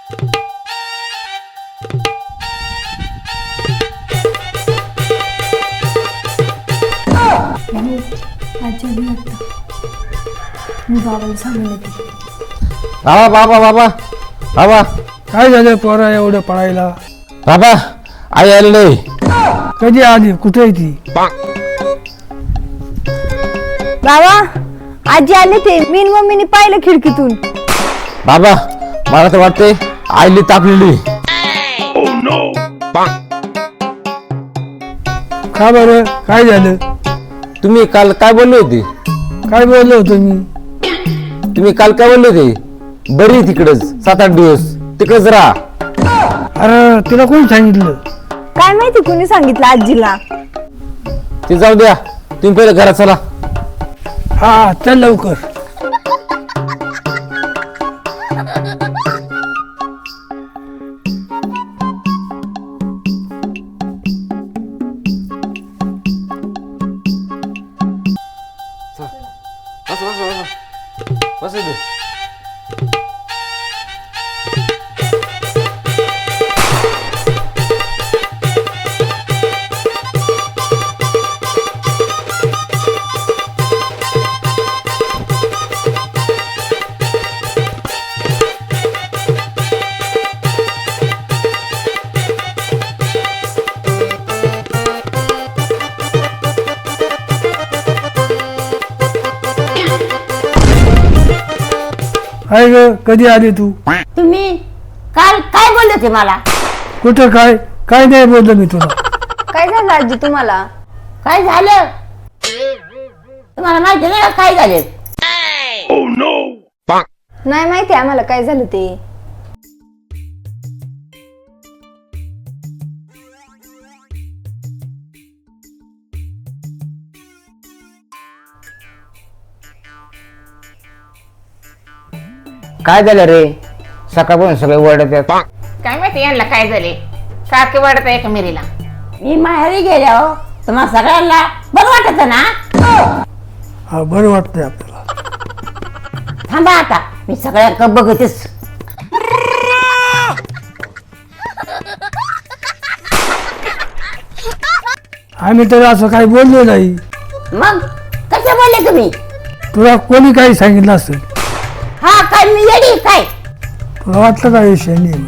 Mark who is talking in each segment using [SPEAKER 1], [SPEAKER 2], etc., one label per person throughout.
[SPEAKER 1] मी बाबाला सांगून येते.
[SPEAKER 2] बाबा बाबा बाबा बाबा
[SPEAKER 3] काय झालं पोरा एवढं पळायला?
[SPEAKER 2] बाबा आई आली नाही.
[SPEAKER 3] कधी आली? कुठे आहे ती?
[SPEAKER 1] बाबा आजी आले ते. मी आणि मम्मीने पाहिलं खिडकीतून.
[SPEAKER 2] बाबा मला तर वाटते आईली तापलेली.
[SPEAKER 3] का बरं? काय झालं?
[SPEAKER 2] तुम्ही काल काय बोलले होते?
[SPEAKER 3] काय बोललो होतो मी?
[SPEAKER 2] तुम्ही काल काय बोलले होते? बरी तिकडच 7-8 दिवस तिकडच राहा.
[SPEAKER 3] अरे तिला कोण सांगितलं?
[SPEAKER 1] काय माहिती कुणी सांगितलं आजीला.
[SPEAKER 2] ते जाऊ द्या, तुम्ही पहिले घरात चला.
[SPEAKER 3] हा चल लवकर.
[SPEAKER 2] बस इथे.
[SPEAKER 3] काय ग कधी आली तू?
[SPEAKER 4] तुम्ही काल काय बोलले होते मला?
[SPEAKER 3] कुठं काय? काय नाही बोललो मी तुला.
[SPEAKER 1] काय झालं आजी तुम्हाला?
[SPEAKER 4] काय झालं तुम्हाला माहिती नाही का काय झाले?
[SPEAKER 1] नाही माहिती आम्हाला काय झालं ते.
[SPEAKER 2] काय झालं रे? सकाळपासून सगळे ओरडत आहेत.
[SPEAKER 5] काय माहिती यांना काय झाले, सारखे वाढत आहे का मिरीला.
[SPEAKER 4] मी माहेरी गेल्या हो तुम्हाला सगळ्यांना बरं वाटत ना?
[SPEAKER 3] हा बरं वाटतंय आपल्याला.
[SPEAKER 4] थांबा आता मी सगळ्यांना बघतेच.
[SPEAKER 3] आम्ही तर असं काही बोललो नाही.
[SPEAKER 4] मग कसे बोलले तुम्ही?
[SPEAKER 3] तुला कोणी काही सांगितलं असेल?
[SPEAKER 4] हा काय मी येडी काय?
[SPEAKER 3] तुला वाटलं का विषय नाही?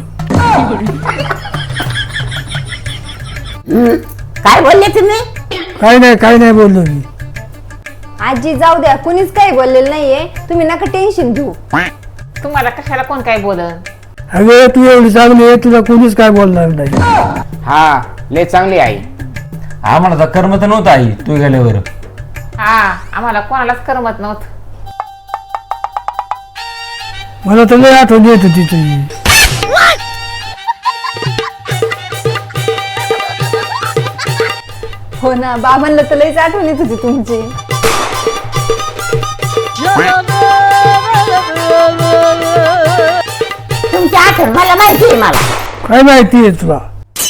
[SPEAKER 4] काय बोलले तुम्ही?
[SPEAKER 3] काय नाही बोललो मी.
[SPEAKER 1] आजी जाऊ द्या, कुणीच काही बोललेलं नाहीये. तुम्ही नका टेन्शन घेऊ.
[SPEAKER 5] तुम्हाला कशाला कोण काय बोलत.
[SPEAKER 3] अगं तू एवढी चांगली आहे, तुला कोणीच काय बोलणार नाही.
[SPEAKER 2] हा लय चांगली आई. आम्हाला तर कर्म तर नव्हतं आई तू गेल्यावर.
[SPEAKER 5] हा आम्हाला कोणालाच करमत नव्हतं.
[SPEAKER 3] मला तर लय आठवण येत होती तुझी.
[SPEAKER 1] हो ना, बाबांना तर लईच आठवण येत होती तुमची.
[SPEAKER 4] तुमची आठवण मला माहिती आहे. मला
[SPEAKER 3] काय माहिती आहे तुला?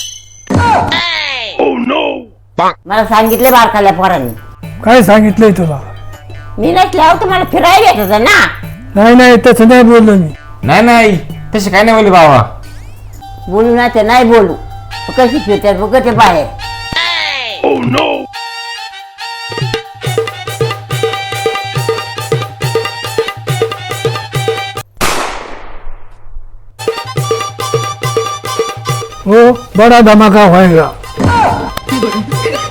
[SPEAKER 4] मला सांगितले बारकाल्या पोरांनी.
[SPEAKER 3] काय सांगितलंय तुला?
[SPEAKER 4] मी नसल्यावर तुम्हाला फिरायला येत होतं ना.
[SPEAKER 3] नाही तसं नाही बोललो मी.
[SPEAKER 2] नाही तसे काय नाही बोलले बाबा.
[SPEAKER 4] बोलू ना ते नाही बोलू. कशी फिरतात बघ ते बाहेर.
[SPEAKER 3] हो बड़ा धमाका होएगा.